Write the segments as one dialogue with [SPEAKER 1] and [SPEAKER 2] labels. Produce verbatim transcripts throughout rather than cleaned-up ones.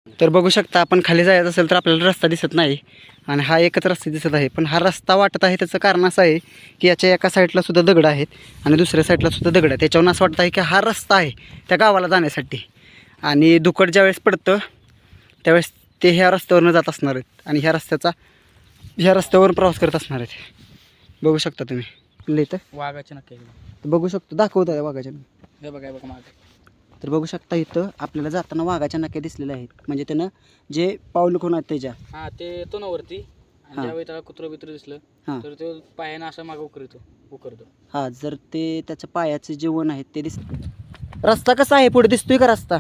[SPEAKER 1] तर बघू शकता आपण खाली जायचं असेल तर आपल्याला रस्ता दिसत नाही आणि हा एकच रस्ता दिसत आहे. पण हा रस्ता वाटत आहे त्याचं कारण असं आहे की याच्या एका साईडला सुद्धा दगड आहेत आणि दुसऱ्या साईडला सुद्धा दगड आहेत. त्याच्यावरून असं वाटतं आहे की हा रस्ता आहे त्या गावाला जाण्यासाठी. आणि दुकड ज्यावेळेस पडतं त्यावेळेस ते ह्या रस्त्यावरनं जात असणार आहेत आणि ह्या रस्त्याचा ह्या रस्त्यावर प्रवास करत असणार आहेत. बघू शकता तुम्ही इथं
[SPEAKER 2] वाघाचे नक्की
[SPEAKER 1] बघू शकतो दाखवत आहे वाघाच्या.
[SPEAKER 2] हे बघा बघा मागे.
[SPEAKER 1] तर बघू शकता इथं आपल्याला जाताना वाघाच्या नक्या दिसलेल्या आहेत. म्हणजे त्यानं जे पाऊल कोण आहेत त्याच्या
[SPEAKER 2] हा ते येतो ना वरती आणि
[SPEAKER 1] हा.
[SPEAKER 2] ज्यावेळी त्याला कुत्र बित्र दिसलं
[SPEAKER 1] हां
[SPEAKER 2] तर तो पायानं असं मागं उकरतो उकरतो
[SPEAKER 1] हां जर ते त्याच्या पायाचे जे वन आहेत ते दिस. रस्ता कसा आहे पुढे दिसतोय का रस्ता?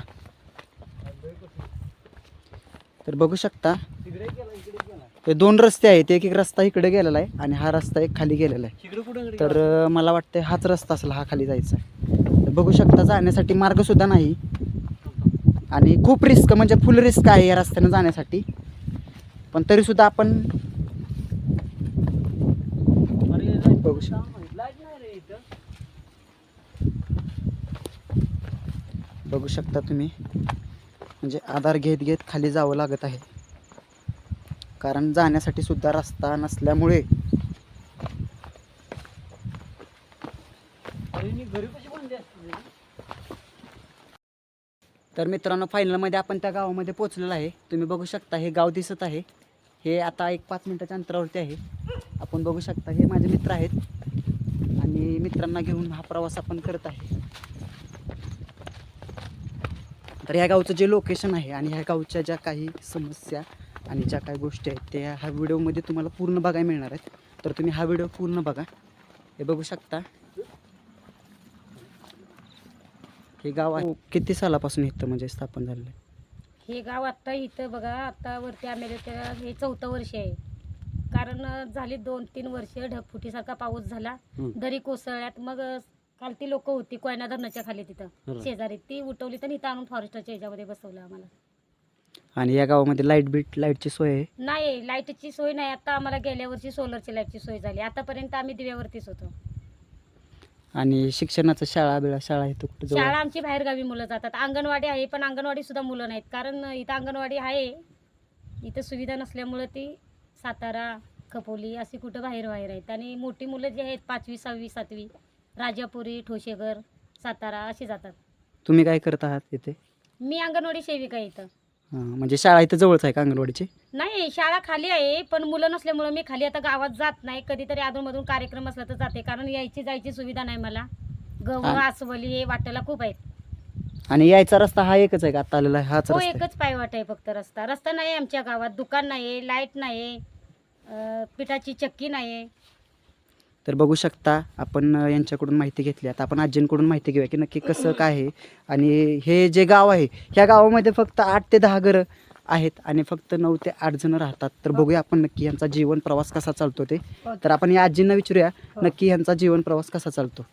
[SPEAKER 1] तर बघू शकता हे दोन रस्ते आहेत. एक एक रस्ता इकडे गेलेला आहे आणि हा रस्ता एक खाली गेलेला आहे.
[SPEAKER 2] इकडे कुठं
[SPEAKER 1] तर अं, मला वाटतं हाच रस्ता असेल हा खाली जायचा. तर बघू शकता जाण्यासाठी मार्गसुद्धा नाही आणि खूप रिस्क म्हणजे फुल रिस्क आहे या रस्त्यानं जाण्यासाठी. पण तरीसुद्धा आपण बघू शकता बघू शकता तुम्ही म्हणजे आधार घेत घेत खाली जावं लागत आहे कारण जाण्यासाठी सुद्धा रस्ता नसल्यामुळे. तर मित्रांनो फायनलमध्ये आपण त्या गावामध्ये पोचलेलो आहे. तुम्ही बघू शकता हे गाव दिसत आहे. हे आता एक पाच मिनिटाच्या अंतरावरती आहे. आपण बघू शकता हे माझे मित्र आहेत आणि मित्रांना घेऊन हा प्रवास आपण करत आहे. तर ह्या गावचं जे लोकेशन आहे आणि ह्या गावच्या ज्या काही समस्या आणि ज्या काही गोष्टी आहेत त्या ह्या व्हिडिओमध्ये तुम्हाला पूर्ण बघायला मिळणार आहेत. तर तुम्ही हा व्हिडिओ पूर्ण बघा. हे बघू शकता हे गाव आहे किती सालापासून इथं म्हणजे स्थापन झालेलं आहे.
[SPEAKER 3] हे गाव आत्ता इथं बघा आता वरती आलेलं त्या हे चौथं वर्ष आहे. कारण झाली दोन तीन वर्ष ढगफुटीसारखा पाऊस झाला, दरी कोसळल्यात. मग खालती लोक होती कोयना धरणाच्या खाली तिथं शेजारी, ती उठवली तर इथं आणून फॉरेस्टच्या ह्याच्यामध्ये बसवलं आम्हाला.
[SPEAKER 1] आणि या गावामध्ये लाईट बीट लाईटची सोय आहे?
[SPEAKER 3] नाही, लाईटची सोय नाही. आता आम्हाला गेल्या वर्षी सोलरची लाईटची सोय झाली. आतापर्यंत आम्ही दिव्यावरतीच होतो.
[SPEAKER 1] आणि शिक्षणाचं शाळा बिळा शाळा इथं कुठं जवळ?
[SPEAKER 3] शाळा आमची बाहेरगावी मुलं जातात. अंगणवाडी आहे पण अंगणवाडी सुद्धा मुलं नाहीत. कारण इथं अंगणवाडी आहे, इथं सुविधा नसल्यामुळं ती सातारा खपोली अशी कुठं बाहेर बाहेर आहेत. आणि मोठी मुलं जी आहेत पाचवी सहावी सातवी राजापुरी ठोशेघर सातारा अशी जातात.
[SPEAKER 1] तुम्ही काय करत आहात इथे?
[SPEAKER 3] मी अंगणवाडी सेविका आहे इथं.
[SPEAKER 1] हां म्हणजे शाळा इथं जवळच आहे का अंगणवाडीची?
[SPEAKER 3] नाही, शाळा खाली आहे पण मुलं नसल्यामुळं मी खाली आता गावात जात नाही. कधीतरी अधूनमधून कार्यक्रम असला तर जाते, कारण यायची जायची सुविधा नाही मला. गहू आसवली हे वाटायला खूप आहेत.
[SPEAKER 1] आणि यायचा रस्ता हा एकच आहे का आता आलेला आहे हाच
[SPEAKER 3] हो,
[SPEAKER 1] रस्ता आहे?
[SPEAKER 3] एकच पायवाट आहे फक्त. रस्ता रस्ता नाही आमच्या गावात. दुकान नाही, लाईट नाही, अं, पिठाची चक्की नाही.
[SPEAKER 1] तर बघू शकता आपण अ, यांच्याकडून माहिती घेतली. आता आपण आजींकडून माहिती घेऊया की नक्की कसं काय आहे. आणि हे जे गाव आहे ह्या गावामध्ये फक्त आठ ते दहा घरं आहेत आणि फक्त नऊ ते आठ जण राहतात. तर बघूया आपण नक्की यांचा जीवन प्रवास कसा चालतो ते. तर आपण या आजींना विचारूया नक्की यांचा जीवन प्रवास कसा चालतो.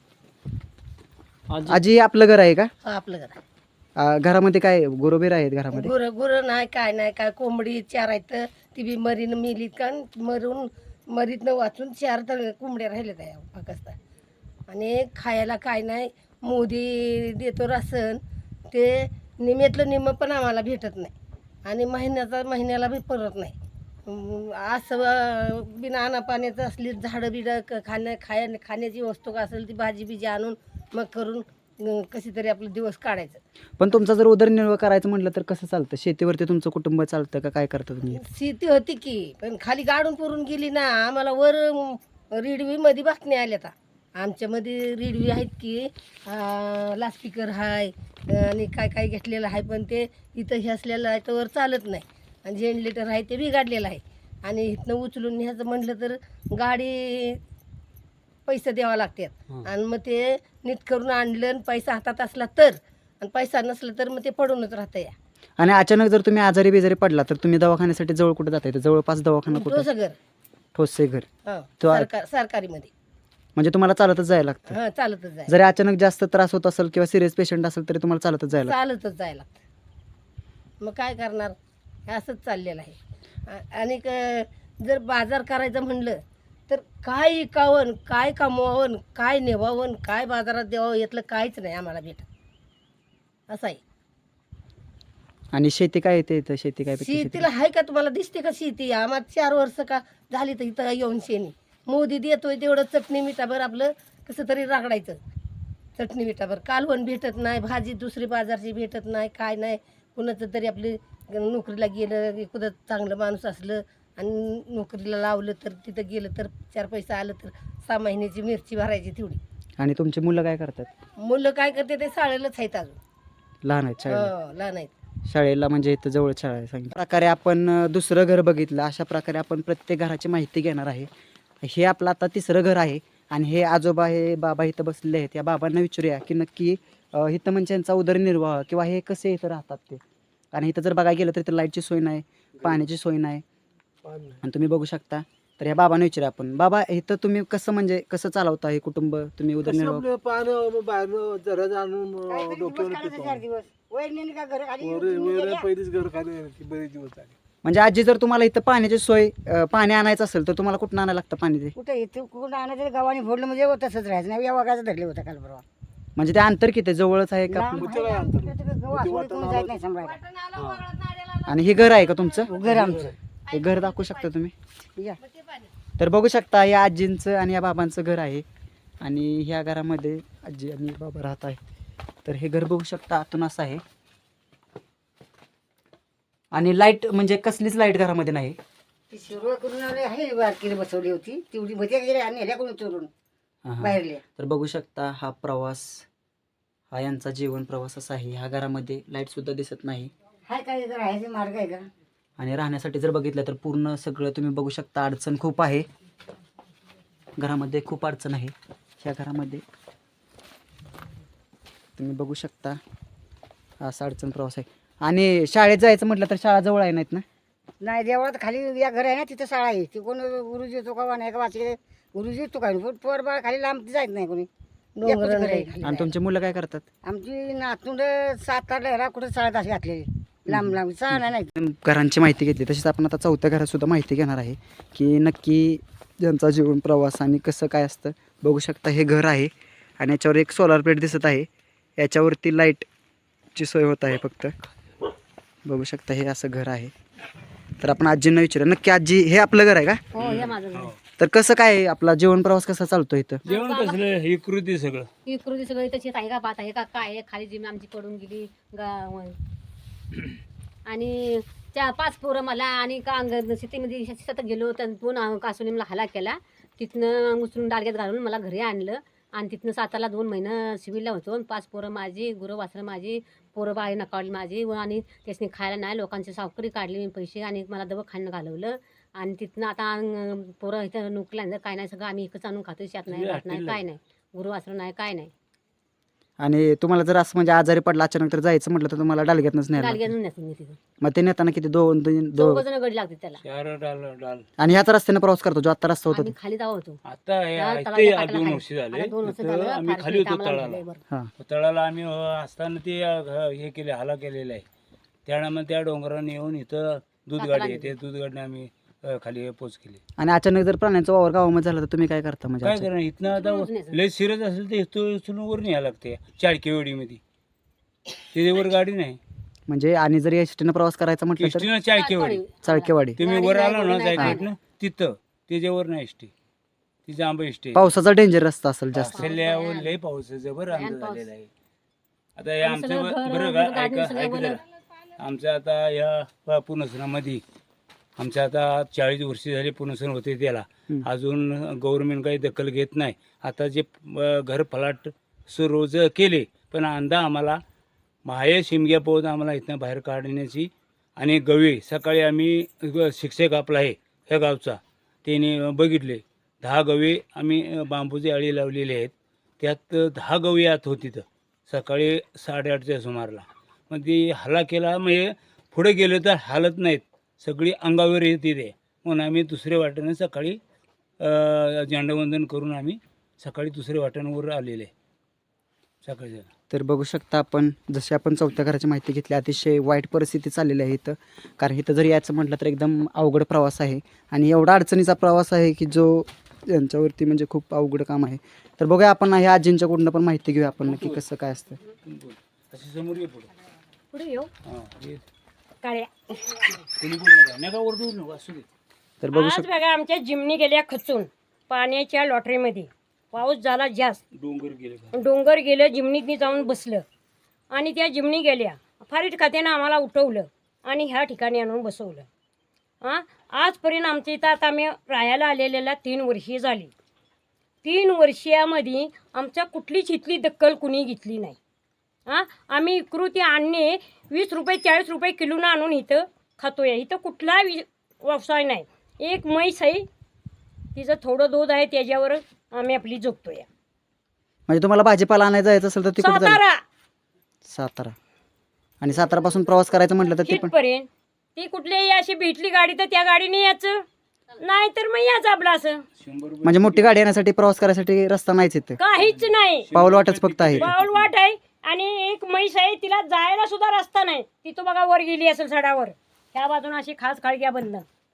[SPEAKER 1] आजी आपलं घर आहे का?
[SPEAKER 4] आपलं घर आहे.
[SPEAKER 1] अ, घरामध्ये काय गुरोबेर आहेत घरामध्ये?
[SPEAKER 4] गुरं गुरं नाही काय नाही काय कोंबडी चार आहेत. ती बी मरीन मिली का मरून मरीतनं वाचून चार तर कोंबड्या राहिल्या त्या पाकिस्तान. आणि खायला काय नाही. मोदी देतो राशन ते निमेतलं निम पण आम्हाला भेटत नाही आणि महिन्याचा महिन्याला बी परत नाही. अं, असं बिना आणा पाण्याचं असली झाडं बिडं क- खाण्या खाया खाण्याची वस्तू का असेल ती भाजी बिजी आणून मग करून अं, कशी तरी आपलं दिवस काढायचं.
[SPEAKER 1] पण तुमचा जर उदरनिर्वाह करायचं म्हटलं तर कसं चालतं? शेतीवरती तुमचं कुटुंब चालतं का काय करता तुम्ही?
[SPEAKER 4] शेती होती की पण खाली गाडून पुरून गेली ना. आम्हाला वर रिडवीमध्ये बातम्या आल्या. आता आमच्यामध्ये रिडवी आहेत की लास्पीकर आहे आणि काय काय घेतलेलं आहे, पण ते इथं हे असलेलं आहे तर वर चालत नाही. आणि जनरेटर आहे ते बिघडलेलं आहे आणि इथनं उचलून न्यायचं म्हटलं तर गाडी पैसे द्यावा लागतात. आणि मग ते नीट करून आणलं आणि पैसा हातात असला तर, आणि पैसा नसला तर मग ते पडूनच राहतं. या
[SPEAKER 1] आणि अचानक जर तुम्ही आजारी बिजारी पडला तर तुम्ही दवाखान्यासाठी जवळ कुठे जाता? येतं जवळपास दवाखाना कुठं?
[SPEAKER 4] सगळं
[SPEAKER 1] ठोसे घर.
[SPEAKER 4] हो, सरकार सरकारीमध्ये.
[SPEAKER 1] म्हणजे तुम्हाला चालतच जायला लागतं?
[SPEAKER 4] हां, चालतच जायला
[SPEAKER 1] जरी अचानक जास्त त्रास होत असेल किंवा सिरियस पेशंट असेल तरी तुम्हाला चालतच जायला लागतं?
[SPEAKER 4] चालतच जायला लागतं. मग काय करणार, हे असंच चाललेलं आहे. आ- आणि क- जर बाजार करायचं म्हणलं तर काय विकावं, काय कमवावं, काय नेवावं, काय बाजारात द्यावं यातलं काहीच नाही आम्हाला भेटत. असं आहे.
[SPEAKER 1] आणि शेती काय येते इथं? शेती काय पिकते? शेती
[SPEAKER 4] शेतीला आहे का तुम्हाला दिसते का शेती? आम्हाला चार वर्ष का झाली तर इथं येऊन शेणी मोदी देतोय तेवढं चटणी मिठाभर आपलं कसं तरी रागडायचं. चटणी मिठाभर कालवण भेटत नाही, भाजी दुसरी बाजारची भेटत नाही, काय नाही. कुणाचं तरी आपली नोकरीला गेलं एखादं चांगलं माणूस असलं आणि नोकरीला लावलं तर तिथं गेलं तर चार पैसे आलं तर सहा महिन्याची मिरची भरायची तेवढी.
[SPEAKER 1] आणि तुमची मुलं काय करतात?
[SPEAKER 4] मुलं काय करते ते शाळेलाच आहेत अजून.
[SPEAKER 1] लहान आहेत शाळेला?
[SPEAKER 4] हो, लहान आहेत.
[SPEAKER 1] शाळेला म्हणजे इथं जवळ शाळा आहे सांगितलं. प्रकारे आपण अ, दुसरं घर बघितलं. अशा प्रकारे आपण प्रत्येक घराची माहिती घेणार आहे. हे आपलं आता तिसरं घर आहे आणि हे आजोबा हे बाबा इथं बसलेले आहेत. या बाबांना विचारूया की नक्की अ, इथं म्हणजे यांचा उदरनिर्वाह किंवा हे कसे इथं राहतात ते. आणि इथं जर बघायला गेलं तर इथं लाईटची सोय नाही, पाण्याची सोय नाही. आणि तुम्ही बघू शकता. तर या बाबांना विचारूया आपण. बाबा इथं तुम्ही कसं म्हणजे कसं चालवता हे कुटुंब? तुम्ही उदरनिर्वाह
[SPEAKER 5] पानं बाहेरनं जरा जाणून डोक्यावर पहिलीच घर खाली बरेच दिवस झाले.
[SPEAKER 1] म्हणजे आजी जर तुम्हाला इथं पाण्याची सोय अ, पाणी आणायचं असेल तर तुम्हाला कुठून आणायला लागतं पाणी? ते
[SPEAKER 6] कुठं येतं कुठं आणायचं गावाने फोडलं म्हणजे तसंच राहायचं नाही. या वागायचं धरले होतं काल परवा.
[SPEAKER 1] म्हणजे ते अंतर किती जवळच आहे का आपलं?
[SPEAKER 6] लांब आहे, आमच्या गहू असू दे, कोणी जात नाही सांभाळायला.
[SPEAKER 1] आणि हे घर आहे का तुमचं?
[SPEAKER 6] घर आमचं.
[SPEAKER 1] हे घर दाखवू शकता तुम्ही?
[SPEAKER 6] या.
[SPEAKER 1] तर बघू शकता या आजींचं आणि या बाबांचं घर आहे आणि ह्या घरामध्ये आजी आणि बाबा राहत आहेत. तर हे घर बघू शकता आतून असं आहे. आणि लाईट म्हणजे कसलीच लाईट घरामध्ये नाही.
[SPEAKER 6] ती सुरुवात करून आले आहे बारकीने बसवली होती तेवढी भजी गेली आणि ह्याला कोणी चोरून
[SPEAKER 1] हा.
[SPEAKER 6] बाहेरले.
[SPEAKER 1] तर बघू शकता हा प्रवास, हा यांचा जीवन प्रवास असा आहे. ह्या घरामध्ये लाईट सुद्धा दिसत नाही
[SPEAKER 6] हाय काय जर राहायचे मार्ग आहे का?
[SPEAKER 1] आणि राहण्यासाठी जर बघितलं तर पूर्ण सगळं तुम्ही बघू शकता अडचण खूप आहे. घरामध्ये खूप अडचण आहे. ह्या घरामध्ये तुम्ही बघू शकता हा असा अडचण प्रवास आहे. आणि शाळेत जायचं म्हटलं तर शाळा जवळ आहे नाहीत ना?
[SPEAKER 6] नाही देवळात खाली या घर आहे ना तिथं शाळा आहे. ती कोण गुरुजी येतो का नाही का वाचले गुरुजी येतो काय पोर बाळ खाली लांब जायत नाही कोणी. एकच घर आहे खाली.
[SPEAKER 1] आणि तुमची मुलं काय करतात?
[SPEAKER 6] आमची नातूंड सात आठ लहरा कुठं शाळेत अशी घातलेली लांब लांब शाळा नाही.
[SPEAKER 1] घरांची माहिती घेतली तशीच आपण आता चौथ्या घरात सुद्धा माहिती घेणार आहे की नक्की ज्यांचा जीवन प्रवास आणि कसं काय असतं. बघू शकता हे घर आहे आणि याच्यावर एक सोलार प्लेट दिसत आहे. याच्यावरती लाईटची सोय होत आहे फक्त. बघू शकता हे असं घर आहे. तर आपण आजींना विचारूया नक्की आजी हे आपलं घर आहे का?
[SPEAKER 3] हो हे माझं घर.
[SPEAKER 1] तर कसं काय आहे? आपला जीवन प्रवास कसा चालतो इथं?
[SPEAKER 7] जेवण कसलं हे कृती सगळं
[SPEAKER 3] ही कृती सगळी तशीच आहे का भात आहे का काय आहे? खाली जिम आमची पडून गेली गा- आणि त्या पाच पोरं मला आणि का अंग शेतीमध्ये शेतात गेलो तर दोन कासुनी मला हल्ला केला. तिथनं उचलून डालग्यात घालून मला घरी आणलं आणि तिथनं साताला दोन महिनं सिव्हिलला होतो. आणि पाच पोरं माझी गुरं वासरं माझी पोरं बाई नकावली माझी व आणि त्यासनी खायला नाही लोकांची सावकरी काढली मी पैसे आणि मला दवाखान्यात घालवलं. आणि तिथनं आता अं, पोरं इथं नोकरीला काय नाही सगळं आम्ही एकच आणून खातो. शेत नाही भात नाही काय नाही गुरु वासरं नाही काय नाही.
[SPEAKER 1] आणि तुम्हाला जर असं म्हणजे आजारी पडला अचानक तर जायचं म्हटलं तर तुम्हाला डालग्यातनंच नाही
[SPEAKER 3] डालग्यात नेतो मी तिथं.
[SPEAKER 1] मग ते नेताना किती दोन दोन
[SPEAKER 3] दोघ
[SPEAKER 1] दोन
[SPEAKER 3] जण गडी लागते त्याला.
[SPEAKER 7] चार डाल डाल
[SPEAKER 1] आणि ह्याच रस्त्याने प्रवास करतो जो आता रस्ता होता
[SPEAKER 3] आम्ही खाली जाऊ होतो.
[SPEAKER 7] आता हे
[SPEAKER 3] त्या
[SPEAKER 7] आहे
[SPEAKER 3] तळाच्या
[SPEAKER 7] ते
[SPEAKER 3] पाटाला
[SPEAKER 7] दोन
[SPEAKER 3] खाली.
[SPEAKER 7] वर्ष झाले
[SPEAKER 3] आता दोन वर्ष
[SPEAKER 7] तिथं
[SPEAKER 3] झालं,
[SPEAKER 7] आम्ही
[SPEAKER 3] फार
[SPEAKER 7] खाली
[SPEAKER 3] शेत
[SPEAKER 7] होतो
[SPEAKER 3] आम्हाला
[SPEAKER 7] तळाला.
[SPEAKER 3] झालंय बरं.
[SPEAKER 1] हां.
[SPEAKER 7] तळाला आम्ही अ, असताना ते अ, घ- हे केले हाला केलेलं आहे. त्यामुळे त्या डोंगराने येऊन इथं दूध गाडी आहे ते दूध गाडीने आम्ही अ, खाली पोच केली.
[SPEAKER 1] आणि अचानक जर प्राण्यांचा वावर गावामध्ये झाला तर तुम्ही काय करता म्हणजे
[SPEAKER 7] काय
[SPEAKER 1] अचानक?
[SPEAKER 7] करणार इथनं आता लय सिरत असेल तर इथं इथून वर न्यायला लागते चाळकेवाडीमध्ये. त्याच्यावर गाडी नाही.
[SPEAKER 1] म्हणजे आणि जर एस टीनं प्रवास करायचा म्हटलं तर
[SPEAKER 7] एसटीनं चाळकेवाडी
[SPEAKER 1] चाळकेवाडी.
[SPEAKER 7] तुम्ही
[SPEAKER 3] गाडी
[SPEAKER 7] वर
[SPEAKER 3] नाही,
[SPEAKER 7] आलो ना
[SPEAKER 3] गाडी नाही,
[SPEAKER 7] जायचं
[SPEAKER 3] काय
[SPEAKER 7] ना तिथं त्याच्यावर नाही एसटी. तिचं आंबा एसटी
[SPEAKER 1] पावसाचा डेंजर रस्ता असेल जास्त.
[SPEAKER 7] असल्यावर लय पाऊस आहे, जबर
[SPEAKER 3] भयान
[SPEAKER 7] आमचं
[SPEAKER 3] पाऊस.
[SPEAKER 7] झालेलं आहे. आता हे
[SPEAKER 3] आणि
[SPEAKER 7] आमचं
[SPEAKER 3] सगळं
[SPEAKER 7] ब-
[SPEAKER 3] घर,
[SPEAKER 7] बरं का
[SPEAKER 3] गाडी
[SPEAKER 7] ऐका
[SPEAKER 3] सगळं
[SPEAKER 7] ऐका
[SPEAKER 3] वर-
[SPEAKER 7] जरा. आमचं आता या पुनसनामध्ये आमचं आता चाळीस वर्ष झाली पुनसन होते त्याला.
[SPEAKER 1] हम्म.
[SPEAKER 7] अजून गव्हर्नमेंट काही दखल घेत नाही. आता जे अ, घर फलाट रोज केले पण अंदा आम्हाला माहे शिमग्या पोहत आम्हाला इथनं बाहेर काढण्याची. आणि गवे सकाळी आम्ही ग- शिक्षक आपला आहे ह्या गावचा त्याने बघितले दहा गवे आम्ही अ, बांबूचे अळी लावलेले आहेत. त्यात दहा गवे आत होती तर सकाळी साडेआठच्या सुमारला. मग ती हल्ला केला म्हणजे पुढे गेलं तर हालत नाहीत सगळी अंगावर येते ते. म्हणून आम्ही दुसऱ्या वाटेनं सकाळी अ, झेंडावंदन करून आम्ही सकाळी दुसऱ्या वाटेवर आलेले सकाळी.
[SPEAKER 1] तर बघू शकता आपण जशी आपण चौथ्या घराची माहिती घेतली अतिशय वाईट परिस्थिती चाललेली आहे इथं. कारण इथं जर यायचं म्हटलं तर एकदम अवघड प्रवास आहे आणि एवढा अडचणीचा प्रवास आहे की जो यांच्यावरती म्हणजे खूप अवघड काम आहे. तर बघूया आपण ह्या आजींच्याकडून पण माहिती घेऊया आपण नक्की कसं काय असतं.
[SPEAKER 7] अशी समोर ये पुढे.
[SPEAKER 3] पुढे येऊ.
[SPEAKER 7] हां ये.
[SPEAKER 8] काळ्या
[SPEAKER 7] कोणी बोलू नका नका ओरडू नका असू दे.
[SPEAKER 1] तर बघू
[SPEAKER 8] आज
[SPEAKER 1] शकता
[SPEAKER 8] बघा आमच्या जिमनी गेल्या खचून पाण्याच्या लॉटरीमध्ये. पाऊस झाला जास्त,
[SPEAKER 7] डोंगर गेले का?
[SPEAKER 8] डोंगर गेलं, जिमनीतनी जाऊन बसलं आणि त्या जिमनी गेल्या. फारीट खात्यानं आम्हाला उठवलं आणि ह्या ठिकाणी आणून बसवलं. हां, आजपर्यंत आमच्या इथं आता आम्ही राहायला आलेल्याला तीन वर्षे झाली. तीन वर्षामध्ये आमच्या कुठलीच इथली दक्कल कुणी घेतली नाही. हां, आम्ही इकृती आणणे वीस रुपये चाळीस रुपये किलोनं आणून इथं खातोय. इथं कुठला वि व्यवसाय नाही. एक म्हैस आहे, तिचं थोडं दूध आहे, त्याच्यावर आम्ही आपली जगतोय.
[SPEAKER 1] म्हणजे तुम्हाला भाजीपाला आणायला जायचं असेल तर तिकडे
[SPEAKER 8] सातारा
[SPEAKER 1] सातारा आणि सातारापासून प्रवास करायचं म्हटलं तर ते पण
[SPEAKER 8] तिथपर्यंत ती कुठलीही अशी भेटली गाडी तर त्या गाडीने यायचं, नाही तर मग याच आपलं असं.
[SPEAKER 7] शंभर रुपये
[SPEAKER 1] म्हणजे मोठी गाडी येण्यासाठी प्रवास करायसाठी रस्ता नाहीच इथे,
[SPEAKER 8] काहीच नाही,
[SPEAKER 1] पाऊल वाटच फक्त आहे.
[SPEAKER 8] पाऊल वाट आहे. आणि एक म्हैस आहे, तिला जायला सुद्धा रस्ता नाही. ती तो बघा वर गेली असेल सडावर, ह्या बाजून अशी खास खाळक्या बंद.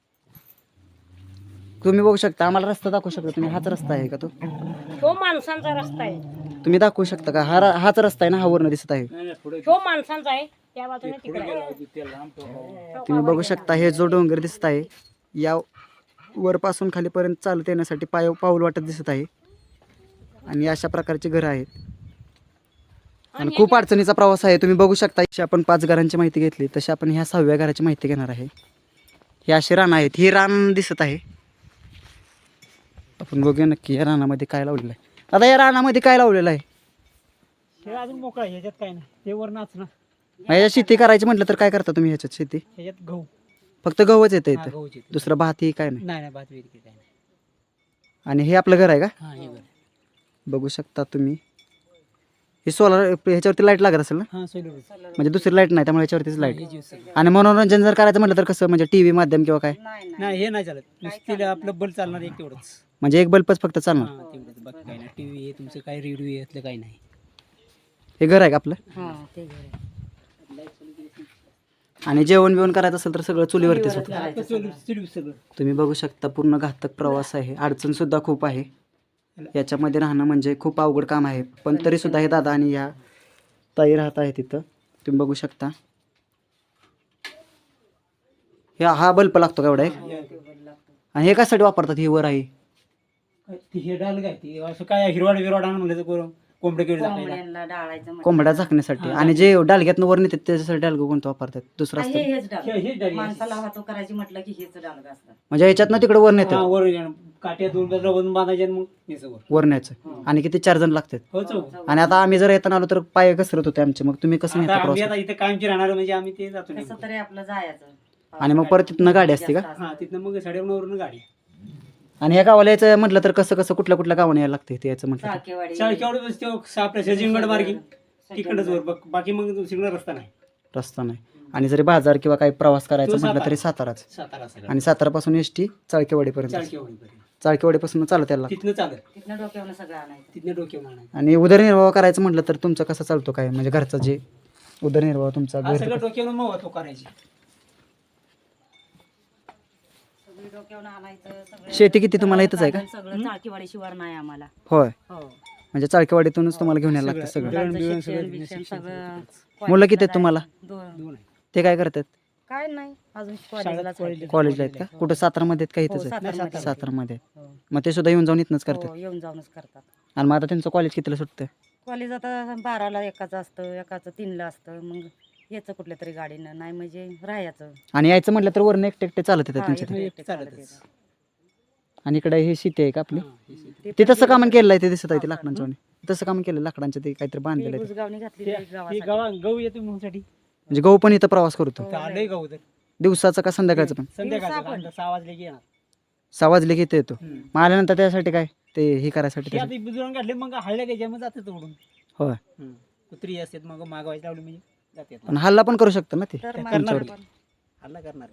[SPEAKER 1] तुम्ही बघू शकता, आम्हाला रस्ता दाखवू शकता तुम्ही? हाच रस्ता आहे का तो?
[SPEAKER 8] तो माणसांचा रस्ता आहे,
[SPEAKER 1] तुम्ही दाखवू शकता का? हा हाच रस्ता आहे ना, हा वरनं दिसत आहे.
[SPEAKER 7] नाही नाही पुढे
[SPEAKER 8] तो माणसांचा आहे, त्या बाजूने तिकडे आहे.
[SPEAKER 7] गेला ते लांब ठेवा.
[SPEAKER 1] तुम्ही बघू शकता हे जो डोंगर दिसत आहे, या वरपासून खालीपर्यंत चालत येण्यासाठी पाय पाऊल वाटत दिसत आहे. आणि अशा प्रकारची घरं आहेत आणि खूप अडचणीचा प्रवास आहे. तुम्ही बघू शकता, जशी आपण पाच घरांची माहिती घेतली तशी आपण ह्या सहाव्या घराची माहिती घेणार आहे. हे असे रान आहेत, ही रान दिसत आहे. आपण बघूया नक्की या रानामध्ये काय लावलेलं आहे. आता या रानामध्ये काय लावलेलं आहे?
[SPEAKER 2] हे अजून मोकळा आहे, ह्याच्यात काय नाही. ते वर नाचणं,
[SPEAKER 1] ह्याच्यात शेती करायची म्हटलं तर काय करता तुम्ही ह्याच्यात शेती?
[SPEAKER 2] ह्याच्यात गहू.
[SPEAKER 1] फक्त गहूच येतं
[SPEAKER 2] हा,
[SPEAKER 1] इथं,
[SPEAKER 2] गहूची.
[SPEAKER 1] दुसरं भात ही काय नाही.
[SPEAKER 2] नाही नाही भात वेगळी काय नाही.
[SPEAKER 1] आणि हे आपलं घर आहे का?
[SPEAKER 2] हा हे बरं.
[SPEAKER 1] बघू शकता तुम्ही. हे सोलर ह्याच्यावरती लाईट लागत असेल ना?
[SPEAKER 2] हा सोलर.
[SPEAKER 1] म्हणजे दुसरी लाईट नाही, त्यामुळे ह्याच्यावरतीच लाईट.
[SPEAKER 2] हे जीव सगळं.
[SPEAKER 1] आणि मनोरंजन जर करायचं म्हटलं तर कसं, म्हणजे टीव्ही माध्यम किंवा काय?
[SPEAKER 2] नाही हे नाही चालत, नुसती आपलं बल चालणार एक तेवढंच.
[SPEAKER 1] म्हणजे एक बल्बच फक्त चालणार.
[SPEAKER 2] हा तेवढंच, बाकी काही नाही. टीव्ही हे तुमचं काय रेडिओ यातलं काही नाही.
[SPEAKER 1] हे घर आहे का आपलं?
[SPEAKER 8] हा, ते घर आहे.
[SPEAKER 1] आणि जेवण बिवण करायचं असेल तर सगळं चुलीवरतीच होतं.
[SPEAKER 2] आता सोलर चुलीवर सगळं.
[SPEAKER 1] तुम्ही बघू शकता, पूर्ण घातक प्रवास आहे, अडचण सुद्धा खूप आहे याच्यामध्ये राहणं, म्हणजे खूप अवघड काम आहे. पण तरी सुद्धा हे दादा आणि या ताई राहत आहे तिथं. तुम्ही बघू शकता, ह्या हा बल्ब लागतो का एवढा एक? आणि हे कशासाठी वापरतात? हे वर आहे
[SPEAKER 2] ती हे डाल काय ती असं काय हिरवाड विरवाड आणून म्हणलं तर करून कोंबडे केळी टाकायला.
[SPEAKER 1] कोंबड्या झाकण्यासाठी. आणि जे डालग्यातनं वर नेतात त्याच्यासाठी डालगं कोणतं वापरतात? दुसरं असतं
[SPEAKER 2] हे- हेच डाली.
[SPEAKER 9] वाहतूक करायची म्हटलं की हेच डालग असतं.
[SPEAKER 1] म्हणजे ह्याच्यातनं तिकडे वर
[SPEAKER 2] हा,
[SPEAKER 1] नेतात,
[SPEAKER 2] वर काट्या दोन बाजूला बांधून बांधायचे आणि मग न्यायचं वर.
[SPEAKER 1] वर न्यायचं. आणि किती चार जण लागतात.
[SPEAKER 2] हो चौक.
[SPEAKER 1] आणि आता आम्ही जर येताना आलो तर पाय घसरत होते आमचे, मग तुम्ही कसं
[SPEAKER 2] आता
[SPEAKER 1] नेता
[SPEAKER 2] आम्ही
[SPEAKER 1] प्रवास?
[SPEAKER 2] आता इथे कायमची राहणार म्हणजे आम्ही ते जातो
[SPEAKER 9] कसं
[SPEAKER 2] नेमकं.
[SPEAKER 9] तरी आपलं जायचं.
[SPEAKER 1] आणि मग परत तिथनं गाडी असते का?
[SPEAKER 2] हा तिथनं मग साडेनऊवरून गाडी.
[SPEAKER 1] आणि ह्या गावाला यायचं म्हटलं तर कसं कसं कुठल्या कुठल्या गावाने यायला लागतं इथे यायचं म्हटलं तर?
[SPEAKER 9] चाळकेवाडी.
[SPEAKER 2] चाळकेवाडी बस तो आपल्या सजिंगड मार्गी तिकडच वर बघ, बाकी मग सिग्नल रस्ता नाही.
[SPEAKER 1] रस्ता नाही. आणि जरी बाजार किंवा काही प्रवास करायचा
[SPEAKER 2] तो
[SPEAKER 1] म्हटलं
[SPEAKER 2] सातारा.
[SPEAKER 1] तरी साताराच.
[SPEAKER 2] सातारा सगळं.
[SPEAKER 1] आणि सातारापासून एस टी चाळकेवाडीपर्यंत.
[SPEAKER 2] चाळकेवाडीपर्यंत.
[SPEAKER 1] चाळकेवाडीपासून चालत यायला लागतं.
[SPEAKER 2] तिथनं चालत,
[SPEAKER 9] तिथनं डोक्यावरून सगळं आणायचं.
[SPEAKER 2] तिथनं डोक्यावर आणायचं.
[SPEAKER 1] आणि उदरनिर्वाह करायचं म्हटलं तर तुमचं कसं चालतो काय, म्हणजे घरचा जे उदरनिर्वाह तुमचा
[SPEAKER 2] हा
[SPEAKER 1] घर
[SPEAKER 2] सगळं डोक्यावर मग तो करायची.
[SPEAKER 9] सगळी डोक्यावरून आणायचं सगळं.
[SPEAKER 1] शेती किती तुम्हाला इथंच आहे का?
[SPEAKER 9] सगळं चाळकेवाडी शिवार नाही आम्हाला.
[SPEAKER 1] होय,
[SPEAKER 9] हो.
[SPEAKER 1] म्हणजे चाळकेवाडीतूनच तुम्हाला घेऊन यायला लागतं सगळं.
[SPEAKER 2] दळण बिळण
[SPEAKER 9] शिक्षण
[SPEAKER 2] सगळं
[SPEAKER 9] बिक्षण सगळं.
[SPEAKER 1] मुलं किती आहेत तुम्हाला?
[SPEAKER 9] दोन.
[SPEAKER 2] दोन आहे.
[SPEAKER 1] ते काय करतात?
[SPEAKER 9] काय नाही अजून
[SPEAKER 2] शाळेत
[SPEAKER 9] कॉलेजलाच
[SPEAKER 2] कॉलेज-
[SPEAKER 9] आहे.
[SPEAKER 1] कॉलेजला आहेत का? कुठं सातारामध्ये आहेत का
[SPEAKER 9] हो,
[SPEAKER 1] इथंच आहेत?
[SPEAKER 9] सातारमध्ये.
[SPEAKER 1] सातारामध्ये.
[SPEAKER 9] हो.
[SPEAKER 1] मग ते सुद्धा येऊन जाऊन इथनंच करतात.
[SPEAKER 9] हो, येऊन जाऊनच करतात.
[SPEAKER 1] आणि मग आता त्यांचं कॉलेज कितीला सुटतं?
[SPEAKER 9] कॉलेज आता बाराला एकाचं असतं, एकाचं तीनला असतं. मग यायचं कुठल्या तरी गाडीनं, नाही म्हणजे राहायचं.
[SPEAKER 1] आणि यायचं म्हटलं तर वरनं एकटे एकटे चालत येतात
[SPEAKER 9] हा,
[SPEAKER 1] त्यांच्या
[SPEAKER 9] एकटे
[SPEAKER 1] ते.
[SPEAKER 9] एकटे चालत
[SPEAKER 2] चालतच.
[SPEAKER 9] येतात.
[SPEAKER 1] आणि इकडे हे शेती आहे का आपली?
[SPEAKER 2] हा, हे शेती.
[SPEAKER 9] ते
[SPEAKER 1] ते
[SPEAKER 9] पण
[SPEAKER 1] तसं काम
[SPEAKER 9] ते-
[SPEAKER 1] केलेलं आहे, ते दिसत आहे ते लाकडांच्या वाणी. तसं काम केलं लाकडांचं, ते काहीतरी बांधलेलं
[SPEAKER 9] ते
[SPEAKER 1] आहे ते.
[SPEAKER 9] बुजगावणी घातली
[SPEAKER 2] ते-
[SPEAKER 9] तरी
[SPEAKER 2] हे
[SPEAKER 9] गावासाठी.
[SPEAKER 2] गावा गहू येतो म्हणूनसाठी.
[SPEAKER 1] म्हणजे गहू पण इथं प्रवास करतो,
[SPEAKER 9] हो,
[SPEAKER 2] आलंय गहू तर
[SPEAKER 1] दिवसाचं का संध्याकाळचं पण?
[SPEAKER 2] संध्याकाळचं
[SPEAKER 9] दिवसा पण.
[SPEAKER 2] का? सहा वाजले की येणार.
[SPEAKER 1] सहा वाजले की इथे येतो.
[SPEAKER 2] हम्म.
[SPEAKER 1] मग आल्यानंतर त्यासाठी काय ते हे करायसाठी
[SPEAKER 2] हे
[SPEAKER 1] त्यासाठी-
[SPEAKER 2] आता बुजुर्ग काढले मग हळल्या घ्यायच्या मग जाते तोडून.
[SPEAKER 1] होय.
[SPEAKER 2] हम्म. कुत्री असतात मग मागवायची लावली म्हणजे जातात.
[SPEAKER 1] पण हल्ला पण करू शकतं ना ते
[SPEAKER 9] तर मग
[SPEAKER 2] करणार
[SPEAKER 1] तुमच्यावर.
[SPEAKER 9] पण.
[SPEAKER 2] हल्ला करणार.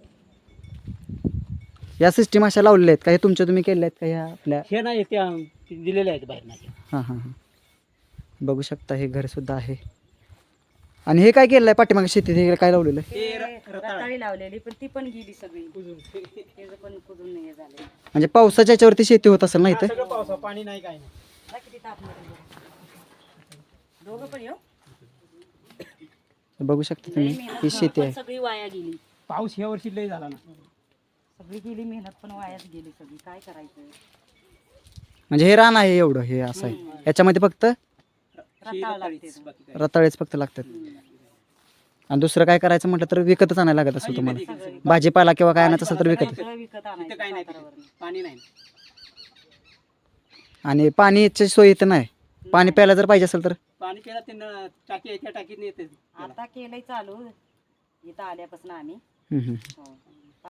[SPEAKER 1] या सिस्टीम अशा लावलेल्या आहेत का? हे तुमच्या तुम्ही केल्या आहेत का ह्या आपल्या?
[SPEAKER 2] हे नाही त्या ते दिलेले आहेत बाहेर नाही.
[SPEAKER 1] हां हां हां, बघू शकता हे घर सुद्धा आहे. आणि हे काय केलेलं आहे पाठीमागे शेतीत? हे काय लावलेलं आहे?
[SPEAKER 2] ते र- रताळ आहे.
[SPEAKER 9] रताळी लावलेली पण ती पण गेली सगळी.
[SPEAKER 2] कुजून.
[SPEAKER 9] त्याचं पण कुजून हे झालं.
[SPEAKER 1] म्हणजे पावसाच्या याच्यावरती शेती होत असेल ना
[SPEAKER 2] हा,
[SPEAKER 1] इथं?
[SPEAKER 2] सगळं पावसा पाणी नाही काय नाही.
[SPEAKER 9] बघा किती तापमान आहे. दोघं पण येऊ.
[SPEAKER 1] बघू शकता तुम्ही ही शेती आहे.
[SPEAKER 9] सगळी वाया गेली.
[SPEAKER 2] पाऊस ह्या वर्षी लय झाला ना.
[SPEAKER 9] सगळी गेली मेहनत पण वायाच गेली सगळी, काय करायचं.
[SPEAKER 1] म्हणजे हे रान आहे एवढं, हे असं आहे. याच्यामध्ये फक्त
[SPEAKER 9] रताळ लागते.
[SPEAKER 2] बाकी काय.
[SPEAKER 1] रताळेच फक्त लागतात. आणि दुसरं काय करायचं म्हटलं तर विकतच आणायला लागत असेल तुम्हाला. भाजीपाला किंवा काय आणायचं असेल तर विकत.
[SPEAKER 9] सगळं विकत
[SPEAKER 2] इथं
[SPEAKER 9] आणायचं
[SPEAKER 2] काय नाही
[SPEAKER 9] सातारावरनं.
[SPEAKER 2] पाणी नाही.
[SPEAKER 1] आणि पाणीची सोय इथं नाही. पाणी प्यायला जर पाहिजे असेल तर
[SPEAKER 2] पाणी प्यायला ते न- टाकी आहे त्या टाकीत येते.
[SPEAKER 9] आता केलंय चालू इथं आल्यापासून आम्ही.
[SPEAKER 1] हम्म, हम्म.
[SPEAKER 9] हो.